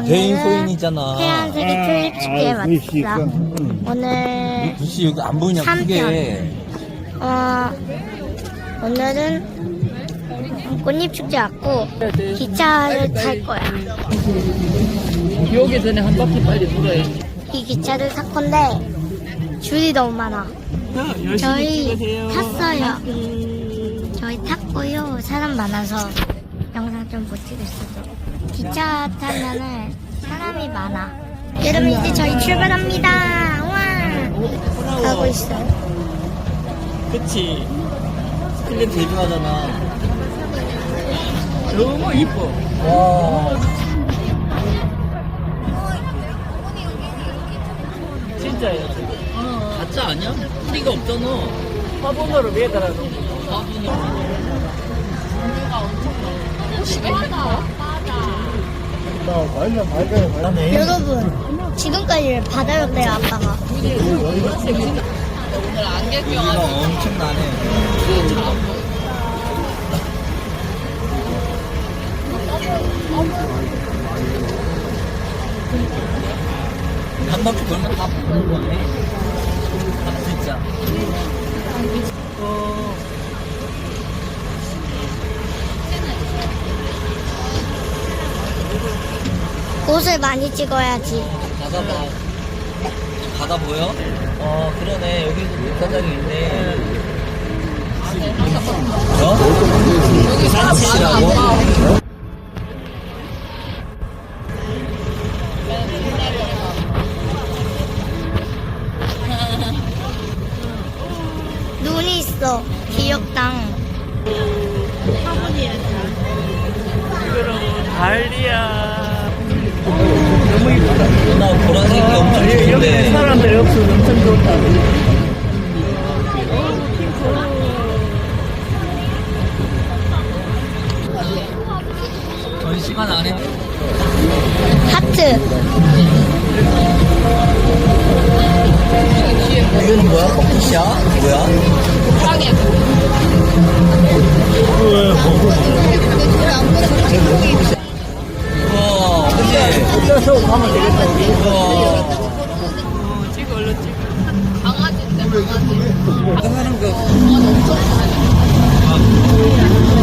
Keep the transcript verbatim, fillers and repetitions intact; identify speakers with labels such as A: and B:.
A: 개인
B: 오늘은
A: 소인이잖아.
B: 태양색의 튤립 축제에
C: 아, 글씨
B: 왔어.
C: 있구나.
B: 오늘
A: 글씨 여기 안 보이냐,
B: 삼
A: 그게.
B: 어 오늘은 꽃잎 축제 왔고 기차를 탈 거야.
D: 비 오기 전에 한 바퀴 빨리 돌아야지.
B: 이 기차를 탈 건데 줄이 너무 많아. 저희 탔어요. 저희 탔고요. 사람 많아서 영상 좀 못 찍었어도. 기차 타면은 사람이 많아. 여러분 이제 저희 출발합니다. 와 가고 있어요.
A: 그치. 클립 데뷔하잖아.
D: 너무 이뻐.
A: 와.
D: 진짜예요.
A: 가짜 아니야? 뿌리가 없잖아.
D: 화분으로 매달아서.
C: 나 말려 말려 말려.
B: 여러분 지금까지 받아줬대요 아빠가.
A: 여기가 엄청나네. 한 바퀴 돌면 다 보는 거네. 아, 진짜. 어.
B: 옷을 많이 찍어야지.
A: 바다 봐. 바다 보여? 어, 그러네. 여기도 물가장이 있네. 어? 여기 산치라고?
B: 눈이 있어. 귀엽당.
D: 달리야.
A: 나 보라색이 엄청
D: 여기
A: 좋은데.
D: 사람들이 없어서 엄청 좋다.
A: 전시관 안에
B: 하트.
A: 이거는 뭐야? 커피샷? 뭐야? 우와, 그치?
D: 쪄서 가면 되겠다, 우리.
A: 우와.
D: 찍어, 얼른 찍어.
A: 강아지인데, 강아지. 하는 거.